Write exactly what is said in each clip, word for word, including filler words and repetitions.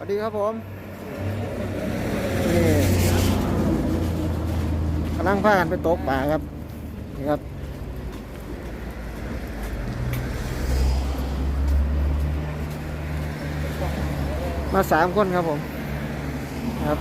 วัสดีครับผมนี่กำลังพากันไปตกปลาครับนี่ครับมาสามคนครับผมครับ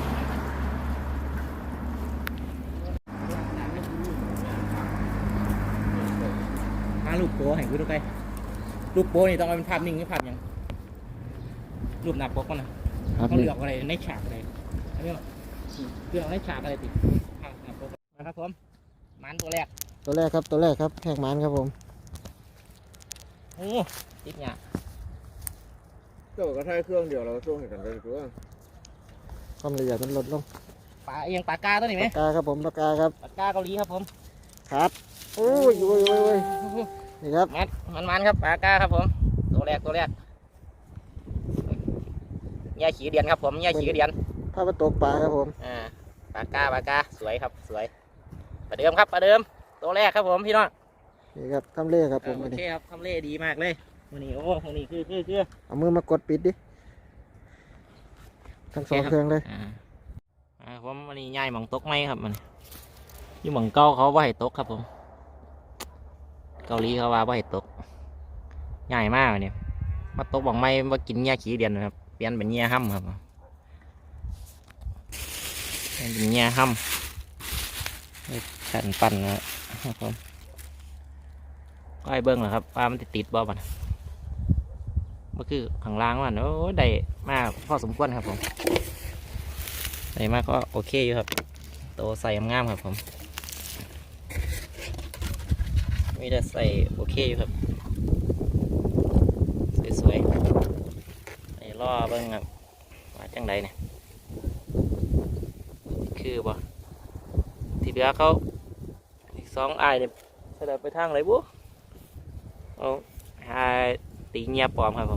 มาลูกโป้ให้กูดูไปลูกโป้นี่ต้องเอาเป็นภาพนิ่งหรือภาพยังรูปหน้าปกมันนะเขาเลือกอะไรในฉากอะไรอันนี้เลือกในฉากอะไรติดหน้าปกนะครับผมมันตัวแรกตัวแรกครับตัวแรกครับแหกมันครับผมโอ้ติดเนี่ยเจ้าก็ใช้เครื่องเดียวเราช่วงเห็นกันเลยตัวความละเอียดมันลดลงปลาเอียงปลากาตัวนี้ไหมปากกาครับผมปากกาครับปลากาเกาหลีครับผมครับโอ้ยโอ้ยโอ้ยโอ้ยนี่ครับมันมันมันครับปลากาครับผมตัวแรกตัวแรกแย่ขี้เดียนครับผมแย่ขี้เดียนพาไปตกปลาครับผมอ่าปลากาปลากาสวยครับสวยประเดิมครับประเดิมตัวแรกครับผมพี่น้องนี่ครับทำเล่ครับผมโอเคครับทำเล่ดีมากเลยวันนี้โอ้วันนี้คือคือคือเอามือมากดปิดดิทั้งสองเครื่องเลยอ่าผมวันนี้ย่ายหมองตกไหมครับมันยี่หมองเก้าเขาว่าให้ตกครับผมเกาหลีเขาว่าว่าให้ตกง่ายมากเนี่ยมาตกบอกไม่ว่ากินเงี้ยขี้เดียนนะครับเปลี่ยนเป็นเงี้ยห้ำครับเป็นเงี้ยห้ำแผ่นปั่นนะครับผมก็ไอ้เบิ้งเหรอครับว่ามันติดติดบ่มันก็คือข้างล่างมันโอ้ได้มากพอสมควรครับผมได้มากก็โอเคอยู่ครับโตใส่งามครับผมมีแต่ใส่โอเคอยู่ครับสวยๆไอ้ล่อเบิ้งครับว่าจังใดเนี่ยคือบ่ที่เหลือเขาอีกสองไอ้เนี่ยเสด็จไปทางไหนบุ๊เอาหาตีเงียบปลอมครับผม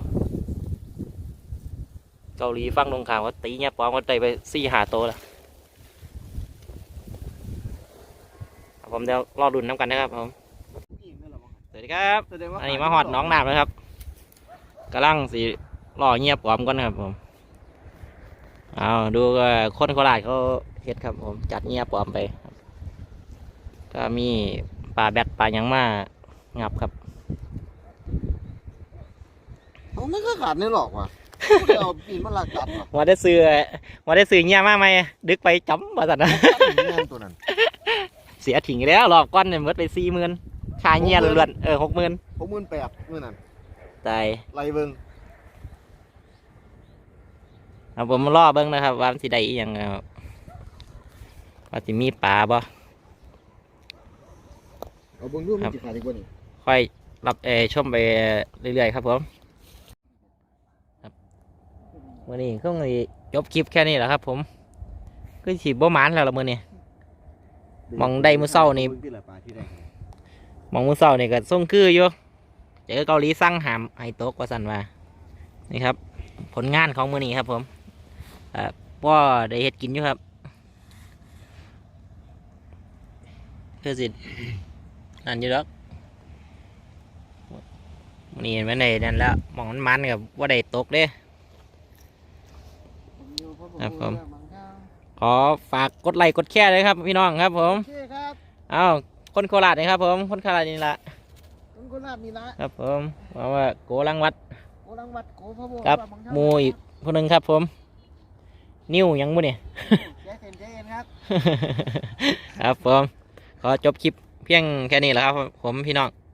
เกาหลีฟังตรงข่าวว่าตีเงียบปลอมก็ได้ไปสี่หาโตแล้วผมเดี๋ยวรอดุนน้ำกันนะครับผมสวัสดีครับอันนี้มาหอดน้องน้ำเลยครับกำลังสีรอเงียบปลอมก่อนครับผมเอาดูคนโคราชเขาเฮ็ดครับผมจัดเงียบปลอมไปก็มีปลาแบดปลายังมางับครับเขาไม่เคยขาดนี่หรอกว่ะเอาปีนมาลากกัดมาได้ซื้อมาได้ซื้อเงี้ยมากไหมดึกไปจ้ำมาสัตว์นะเสียถิ่งแล้วรอบก้อนเนี่ยมดไปสี่หมื่นค่าเงี้ยล้วนๆเออหกหมื่นหกหมื่นแปดเมื่อนั้นตายไรเบิ้งเอาผมมาล่อเบิ้งนะครับว่าสิได้อีหยังครับว่าสิมีปลาบ่เอาเบิ้งดูมันจะขาดอีกว่านี่ค่อยรับเอชมไปเรื่อยๆครับผมวันนี้ก็เลยจบคลิปแค่นี้แหละครับผมก็ฉีดบ่หมานแล้วละมือนี่มองได้มือเศร้านี่มองมือเศร้านี่ก็ส่งคืออยู่เจอเกาหลีสั่งหามไฮโต๊กว่าสันว่านี่ครับผลงานของมือนี้ครับผมอ่าพ่อได้เฮ็ดกินอยู่ครับคือสินั่นอยู่แล้วมือนี้มันได้นั่นแล้วมองมันมันกับว่าได้ตกเด้ครับผมขอฝากกดไลค์กดแชร์เลยครับพี่น้องครับผมเอาคนโคราชนะครับผมคนโคราชนี่ละคนโคราชนี่ละครับผมว่าว่าโกลังวัดโกลังวัดโกพะโบครับมูอีกคนหนึ่งครับผมนิ้วยังมูเนี่ยแจ๊เซนเจนครับครับผมขอจบคลิปเพียงแค่นี้แหละครับผมพี่น้อง